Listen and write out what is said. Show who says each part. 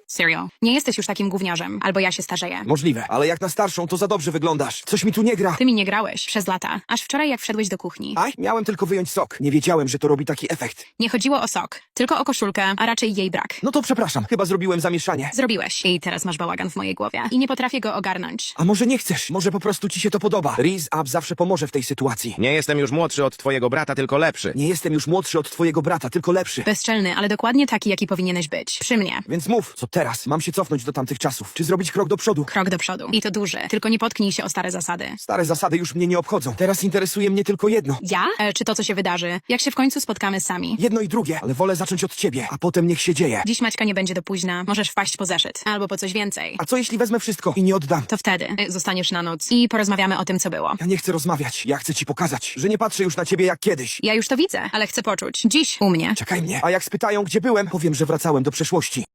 Speaker 1: Serio. Nie jesteś już takim gówniarzem. Albo ja się starzeję.
Speaker 2: Możliwe, ale jak na starszą, to za dobrze wyglądasz. Coś mi tu nie gra.
Speaker 1: Ty mi nie grałeś przez lata. Aż wczoraj jak wszedłeś do kuchni.
Speaker 2: Aj, miałem tylko wyjąć sok. Nie wiedziałem, że to robi taki efekt.
Speaker 1: Nie chodziło o sok. Tylko o koszulkę, a raczej jej brak.
Speaker 2: No to przepraszam, chyba zrobiłem zamieszanie.
Speaker 1: Zrobiłeś. I teraz masz bałagan w mojej głowie. I nie potrafię go ogarnąć.
Speaker 2: A może nie chcesz? Może po prostu ci się to podoba. Riz Up zawsze pomoże w tej sytuacji.
Speaker 3: Nie jestem już młodszy od twojego brata, tylko lepszy.
Speaker 2: Nie jestem już młodszy od twojego brata, tylko lepszy.
Speaker 1: Bezczelny, ale dokładnie taki, jaki powinieneś być. Przy mnie.
Speaker 2: Więc mów, co teraz? Mam się cofnąć do tamtych czasów. Czy zrobić krok do przodu?
Speaker 1: Krok do przodu. I to duży. Tylko nie potknij się o stare zasady.
Speaker 2: Stare zasady już mnie nie obchodzą. Teraz interesuje mnie tylko jedno.
Speaker 1: Ja? Czy to, co się wydarzy? Jak się w końcu spotkamy sami?
Speaker 2: Jedno i drugie, ale wolę zacząć od ciebie, a potem niech się dzieje.
Speaker 1: Dziś Maćka nie będzie do późna. Możesz wpaść po zeszyt. Albo po coś więcej.
Speaker 2: A co jeśli wezmę wszystko i nie oddam?
Speaker 1: To wtedy zostaniesz na noc i porozmawiamy o tym, co było.
Speaker 2: Ja nie chcę rozmawiać. Ja chcę ci pokazać, że nie patrzę już na ciebie jak kiedyś.
Speaker 1: Ja już to widzę, ale chcę poczuć. Dziś u mnie.
Speaker 2: Czekaj mnie. A jak spytają, gdzie byłem, powiem, że wracałem do przeszłości.